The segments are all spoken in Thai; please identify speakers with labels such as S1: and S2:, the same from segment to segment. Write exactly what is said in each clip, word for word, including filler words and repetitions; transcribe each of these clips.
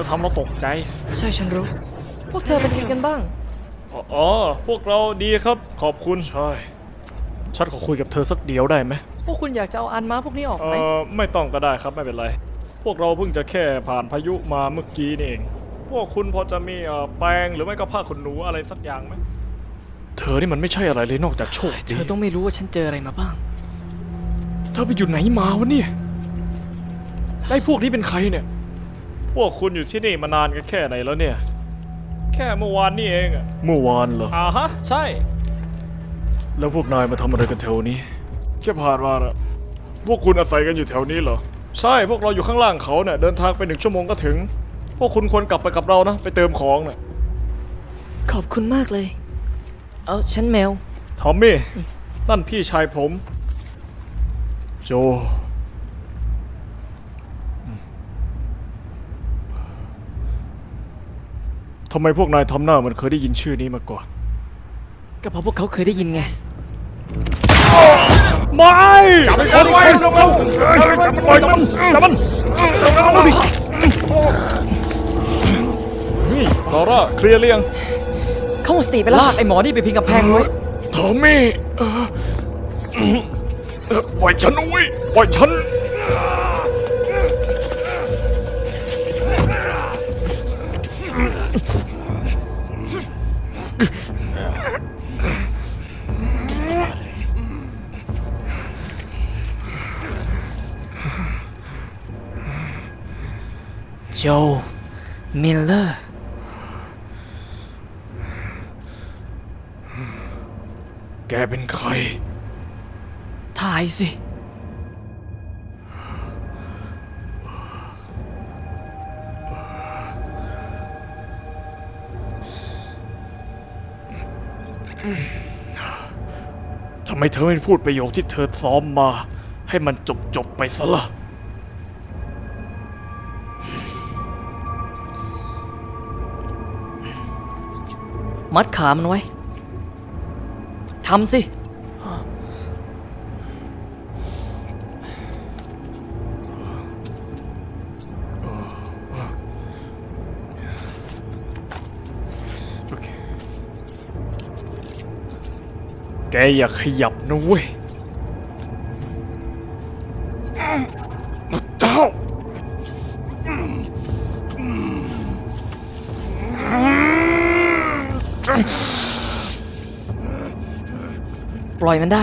S1: ทำเราตกใจ
S2: ใช่ฉันรู้พวกเธอเป็นยังไงกันบ้าง
S1: อ๋อพวกเราดีครับขอบคุณใช่ฉันขอคุยกับเธอสักเดียวได้ไหม
S2: พวกคุณอยากจะเอาอันม้าพวกนี้ออกไหม
S1: เออไม่ต้องก็ได้ครับไม่เป็นไรพวกเราเพิ่งจะแค่ผ่านพายุมาเมื่อกี้นี่เองพวกคุณพอจะมีแปรงหรือไม่ก็ผ้าขนหนูอะไรสักอย่างไหมเธอนี่มันไม่ใช่อะไรเลยนอกจากโชคดี
S2: เธอต้องไม่รู้ว่าฉันเจออะไรมาบ้าง
S1: เธอไปอยู่ไหนมาวะเนี่ยไอ้พวกนี้เป็นใครเนี่ยพวกคุณอยู่ที่นี่มานานกันแค่ไหนแล้วเนี่ยแค่เมื่อวานนี่เองอะเมื่อวานเหรออ่าฮะใช่แล้วพวกนายมาทำอะไรกันแถวนี้แค่ผ่านมาอะพวกคุณอาศัยกันอยู่แถวนี้เหรอใช่พวกเราอยู่ข้างล่างเขาเนี่ยเดินทางไปหนึ่งชั่วโมงก็ถึงพวกคุณควรกลับไปกับเรานะไปเติมของเนี่ย
S2: ขอบคุณมากเลยเอาฉันแมว
S1: ทอมมี่นั่นพี่ชายผมโจทำไมพวกนายทำหน้าเหมือนเคยได้ยินชื่อนี้มาก่อน
S2: ก็เพราะพวกเขาเคยได้ยินไง
S1: ไม่จับมันไว้ลงแล้วจับมันไว้จับมันจับมันเอาดินี่ลอร่าเคลียร์เรียง
S2: เข้าสติไปลากไอ้หมอนี่ไปพิงกับแพงไว้
S1: ทอมมี่ปล่อยฉันไว้ปล่อยฉัน
S2: โจมิลเลอร์
S1: แกเป็นใคร
S2: ถ่ายสิ
S1: ทำไมเธอไม่พูดประโยคที่เธอซ้อมมาให้มันจบจบไปซะล่ะ
S2: มัดขามันไว้ทำสิ
S1: โอเคแกอย่าขยับนะเว้ยเจ้า
S2: ปล่อยมันได้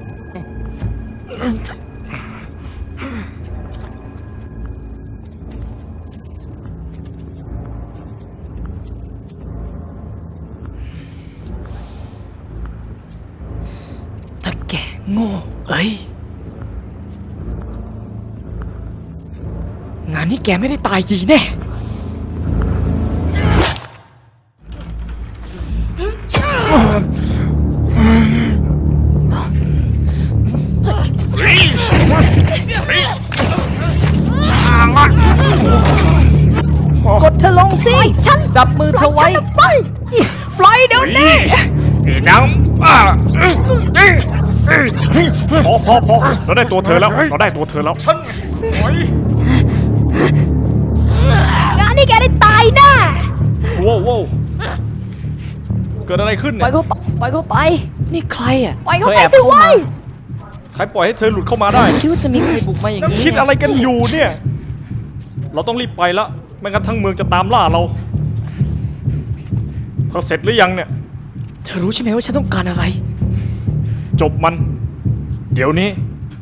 S2: ถ้าแกโง่เอ้ยงานนี้แกไม่ได้ตายจริงแน่กดเธอลงสิฉันจับมือเธอไว้ปล่อยปล่อยเดี๋ยวนี้
S1: น้ำพอพอพอเราได้ตัวเธอแล้วเราได้ตัวเธอแล้วฉันปล่อย
S2: งานนี้แกได้ตายแน่
S1: ว้าวว้าวเกิดอะไรขึ้นเนี่ย
S2: ปล่อยเขาไปปล่อยเขาไปนี่ใครอ่ะ
S3: ปล่อยเขาไปสิเว้ย
S1: ใครปล่อยให้เธอหลุดเข้ามาได้
S2: คิดว่าจะมีใครบุกมาอย่างนี้
S1: คิดอะไรกันอยู่เนี่ยเราต้องรีบไปละไม่งั้นทั้งเมืองจะตามล่าเราเธอเสร็จหรือยังเนี่ย
S2: เธอรู้ใช่ไหมว่าฉันต้องการอะไร
S1: จบมันเดี๋ยวนี้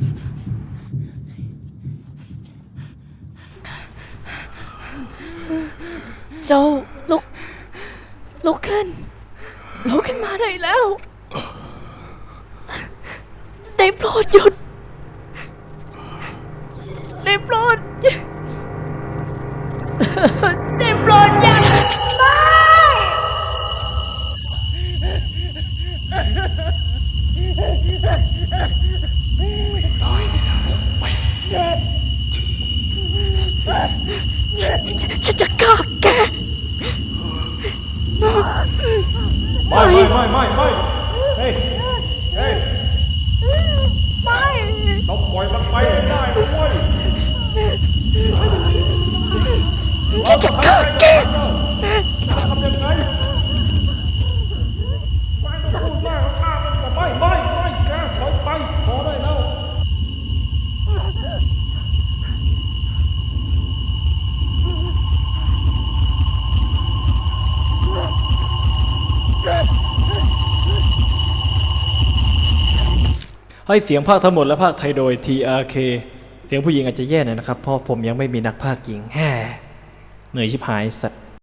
S2: โจลุกลุกขึ้นลุกขึ้นมาได้แล้วได้โปรดหยุดได้โปรดได้โปรดอย่าไม่ตายเลยนะไปฉันจะฆ่าแก
S1: ไม่ไม่ไม่ไม่ไม่เฮ้ยเฮ้ย
S2: ไม่
S1: เราปล่อยมันไปได้ด้วย
S2: ฉันจะฆ่าแก
S1: ให้เสียงภาคทั้งหมดและภาคไทยโดย ที อาร์ เค เสียงผู้หญิงอาจจะแย่หน่อยนะครับเพราะผมยังไม่มีนักภาคหญิงแฮ่เหนื่อยชิบหายสัตว์